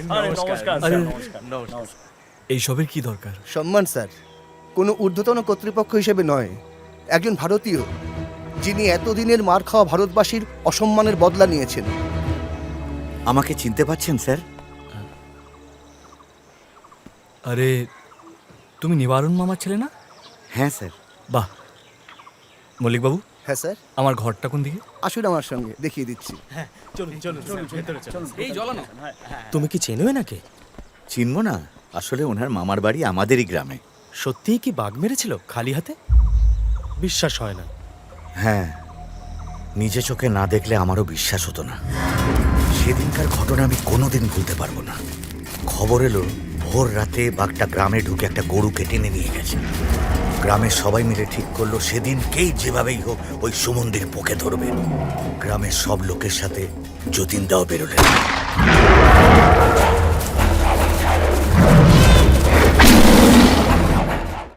নমস্কার আরে, নমস্কার। এইসবের কি দরকার? সম্মান স্যার, কোনো ঊর্ধ্বতন কর্তৃপক্ষ হিসেবে নয়, একজন ভারতীয় যিনি এতদিনের মার খাওয়া ভারতবাসীর অসম্মানের বদলা নিয়েছেন। আমাকে চিনতে পারছেন স্যার? আরে, তুমি নিবারণ মামার ছেলে না? হ্যাঁ স্যার। বাহ। মল্লিকবাবু, হ্যাঁ স্যার, আমার ঘরটা কোন দিকে? আসুন আমার সঙ্গে, দেখিয়ে দিচ্ছি। তুমি কি চেনো এনাকে? চিনব না, আসলে ওনার মামার বাড়ি আমাদেরই গ্রামে। সত্যিই কি বাঘ মেরেছিল খালি হাতে? বিশ্বাস হয় না। হ্যাঁ, নিজে চোখে না দেখলে আমারও বিশ্বাস হতো না। সেদিনকার ঘটনা আমি কোনোদিন ভুলতে পারবো না। খবর এলো ভোর রাতে বাঘটা গ্রামে ঢুকে একটা গরুকে টেনে নিয়ে গেছে। গ্রামের সবাই মিলে ঠিক করলো সেদিনকেই যেভাবেই হোক ওই সুমন্দির পোকে ধরবে। গ্রামের সব লোকের সাথে যতীন দাও বেরোলেন।